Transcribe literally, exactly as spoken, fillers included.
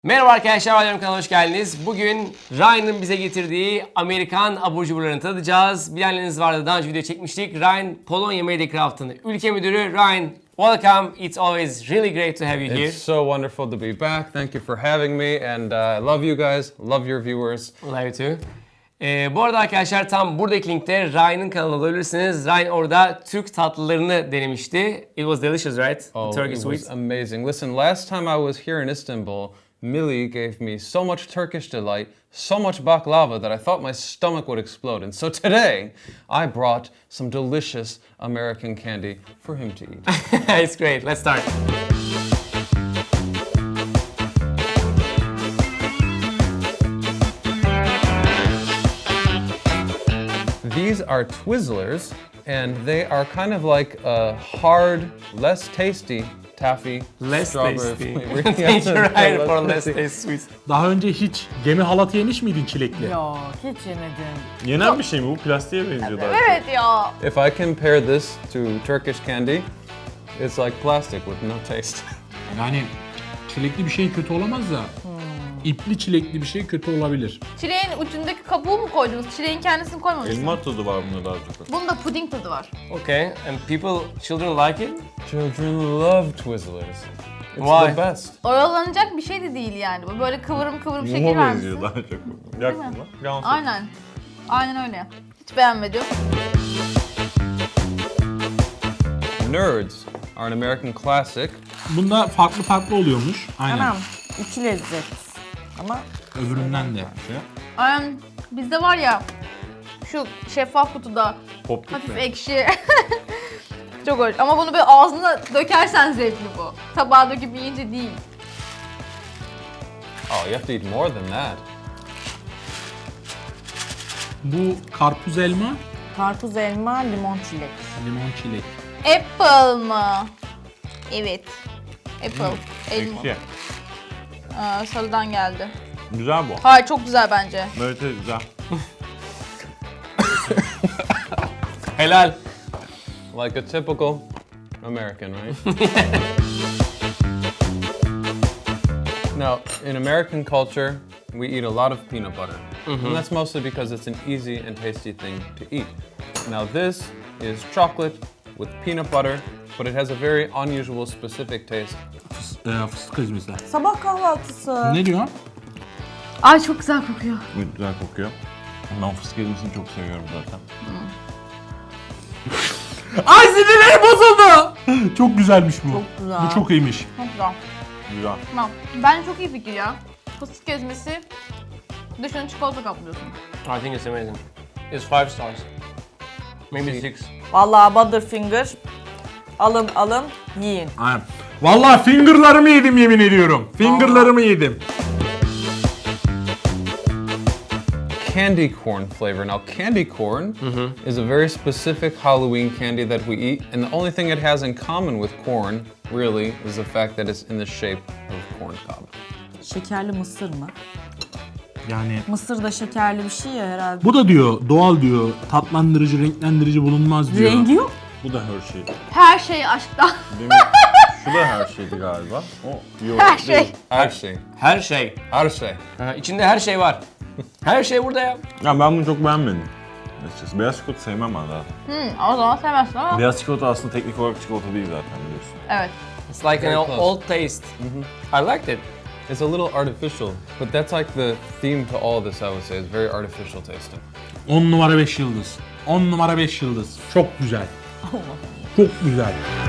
Merhaba arkadaşlar, Alarm kanalına hoş geldiniz. Bugün Ryan'ın bize getirdiği Amerikan abur cuburlarını tadacağız. Bilenleriniz vardı, daha önce video çekmiştik. Ryan, Polonya Mediacraft'ın ülke müdürü. Ryan, welcome. It's always really great to have you here. It's so wonderful to be back. Thank you for having me, and uh, I love you guys, love your viewers. Love you too. Ee, bu arada arkadaşlar tam buradaki linkte Ryan'ın kanalına olabilirsiniz. Ryan orada Türk tatlılarını denemişti. It was delicious, right? Oh, Turkish it was sweets. amazing. Listen, last time I was here in Istanbul, Millie gave me so much Turkish delight, so much baklava that I thought my stomach would explode. And so today, I brought some delicious American candy for him to eat. It's great. Let's start. These are Twizzlers, and they are kind of like a hard, less tasty taffy Less strawberry tasty. flavor. Thank you, Ryan, Less for less tasty. tasty sweets. Daha önce hiç gemi halatı yemiş miydin çilekli? Yok hiç yemedim. Yenen bir şey mi bu? Plastiğe benziyor daha çok. Evet ya. If I compare this to Turkish candy, it's like plastic with no taste. Yani çilekli bir şey kötü olamaz da ipli çilekli bir şey kötü olabilir. Çileğin ucundaki kabuğu mu koydunuz? Çileğin kendisini koymamışsınız. Elma tadı var bunda daha çok. Bunda puding tadı var. Okay, and people, children like it? Children love Twizzlers. It's Why? the best. Oyalanacak bir şey de değil yani. Bu böyle kıvırım kıvırım şekil Muma vermişsin. benziyor daha çok. Yaktın mı? Yansın. Aynen. Aynen öyle. Hiç beğenmedim. Nerds are an American classic. Bunda farklı farklı oluyormuş. Aynen. Tamam, iki lezzet. Ama Öbüründen de şey. Aynen. Bizde var ya şu şeffaf kutuda Pop hafif gitme. ekşi. Çok hoş. Ama bunu böyle ağzına dökersen zevkli bu. Tabağa döküp yiyince değil. Oh, you have to eat more than that. Bu karpuz elma, karpuz elma, limon çilek. limon çilek. Apple mı? Evet. Apple. Elma. Ekşi. Aa, sarıdan geldi. Güzel bu. Hayır çok güzel bence. Evet evet güzel. Helal. Like a typical American, right? Now, in American culture, we eat a lot of peanut butter. And that's mostly because it's an easy and tasty thing to eat. Now, this is chocolate with peanut butter, but it has a very unusual, specific taste. Fıs- e, fıstık ezmesi. Sabah kahvaltısı. Ne diyor? Ay çok güzel kokuyor. Güzel kokuyor. Ben fıstık ezmesini çok seviyorum zaten. Ay sinirlerim bozuldu. Çok güzelmiş bu. Çok güzel. Bu çok iyiymiş. Çok güzel. Güzel. Tamam. Bence çok iyi fikir ya. Fıstık ezmesi. Dışını çikolata kaplıyorsun. I think it's amazing. It's five stars. Maybe six. Vallahi Butterfinger. Alın alın yiyin. Aynen. Vallahi fingerlarımı yedim yemin ediyorum. Fingerlarımı yedim. Candy corn flavor. Now, candy corn is a very specific Halloween candy that we eat, and the only thing it has in common with corn, really, is the fact that it's in the shape of corn cob. Şekerli mısır mı? Yani Mısır da şekerli bir şey ya herhalde. bu da diyor doğal diyor. Tatlandırıcı, renklendirici bulunmaz diyor. Rengi yok. Bu da her şey. Her şey aşktan. Demin şu da her şeydi galiba. O yok. Her şey. Her şey. Her şey. Her şey. Ha, içinde her şey var. Her şey burada ya. Ya ben bunu çok beğenmedim. Açıkçası. Beyaz çikolata sevmem ben zaten. Hmm, o zaman sevmezsin ama. Beyaz çikolata aslında teknik olarak çikolata değil zaten biliyorsun. Evet. It's like Very an close. old taste. I liked it. It's a little artificial, but that's like the theme to all this, I would say. It's very artificial tasting. on numara beş yıldız. on numara beş yıldız. Çok güzel. Çok güzel.